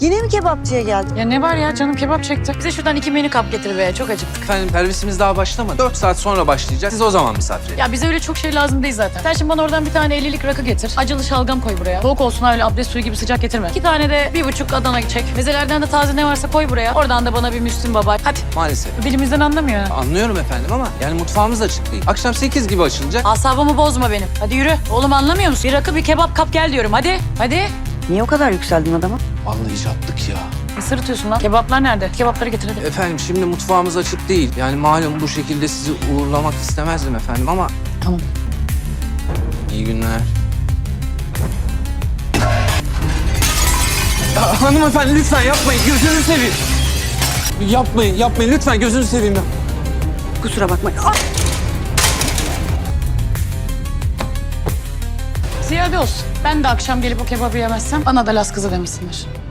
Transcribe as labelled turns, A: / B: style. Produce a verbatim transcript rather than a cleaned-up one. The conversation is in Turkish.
A: Yine mi kebapçıya geldin?
B: Ya ne var ya, canım kebap çekti. Bize şuradan iki menü kap getir be, çok acıktık.
C: Efendim servisimiz daha başlamadı. Dört saat sonra başlayacak. Siz o zaman misafir edin.
B: Ya bize öyle çok şey lazım değil zaten. Sen şimdi bana oradan bir tane ellilik rakı getir. Acılı şalgam koy buraya. Soğuk olsun, öyle abdest suyu gibi sıcak getirme. İki tane de bir buçuk Adana çek. Mezelerden de taze ne varsa koy buraya. Oradan da bana bir Müslüm Baba. Hadi.
C: Maalesef.
B: Dilimizden anlamıyor.
C: Anlıyorum efendim ama yani mutfağımız açık değil. Akşam sekiz gibi açılacak.
B: Asabımı bozma benim. Hadi yürü. Oğlum anlamıyor musun? Bir rakı bir kebap kap gel diyorum. Hadi. Hadi.
A: Niye o kadar yükseldin adama?
C: Vallahi çattık ya.
B: Ne sırıtıyorsun lan? Kebaplar nerede? Kebapları getir hadi.
C: Efendim şimdi mutfağımız açık değil. Yani malum bu şekilde sizi uğurlamak istemezdim efendim ama...
B: Tamam.
C: İyi günler. Ya, hanımefendi lütfen yapmayın. Gözünü seveyim. Yapmayın, yapmayın. Lütfen gözünü seveyim ya.
A: Kusura bakma. Ah!
B: Ziyade olsun. Ben de akşam gelip o kebabı yemezsem bana da Las kızı demesinler.